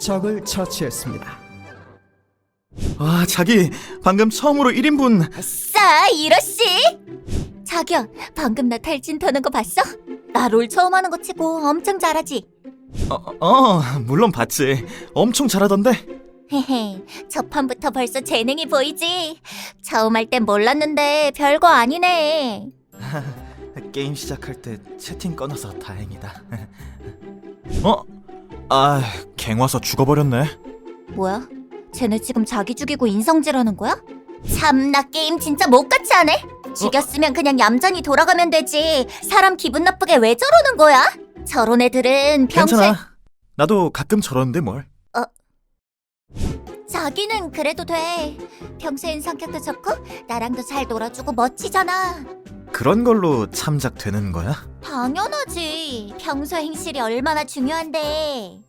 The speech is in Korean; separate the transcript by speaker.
Speaker 1: 적을 처치했습니다.
Speaker 2: 와, 자기 방금 처음으로 1인분.
Speaker 3: 아싸, 이러씨! 자기야, 방금 나 탈진 터는 거 봤어? 나 롤 처음 하는 거 치고 엄청 잘하지?
Speaker 2: 물론 봤지. 엄청 잘하던데.
Speaker 3: 헤헤, 첫 판부터 벌써 재능이 보이지? 처음 할 땐 몰랐는데 별거 아니네.
Speaker 2: 게임 시작할 때 채팅 꺼놔서 다행이다. 갱 와서 죽어버렸네.
Speaker 3: 뭐야? 쟤네 지금 자기 죽이고 인성질하는 거야? 참나, 게임 진짜 못같이 하네? 죽였으면 그냥 얌전히 돌아가면 되지. 사람 기분 나쁘게 왜 저러는 거야? 저런 애들은 평소에...
Speaker 2: 괜찮아. 나도 가끔 저러는데 뭘.
Speaker 3: 자기는 그래도 돼. 평소엔 성격도 좋고 나랑도 잘 놀아주고 멋지잖아.
Speaker 2: 그런 걸로 참작 되는 거야?
Speaker 3: 당연하지. 평소 행실이 얼마나 중요한데.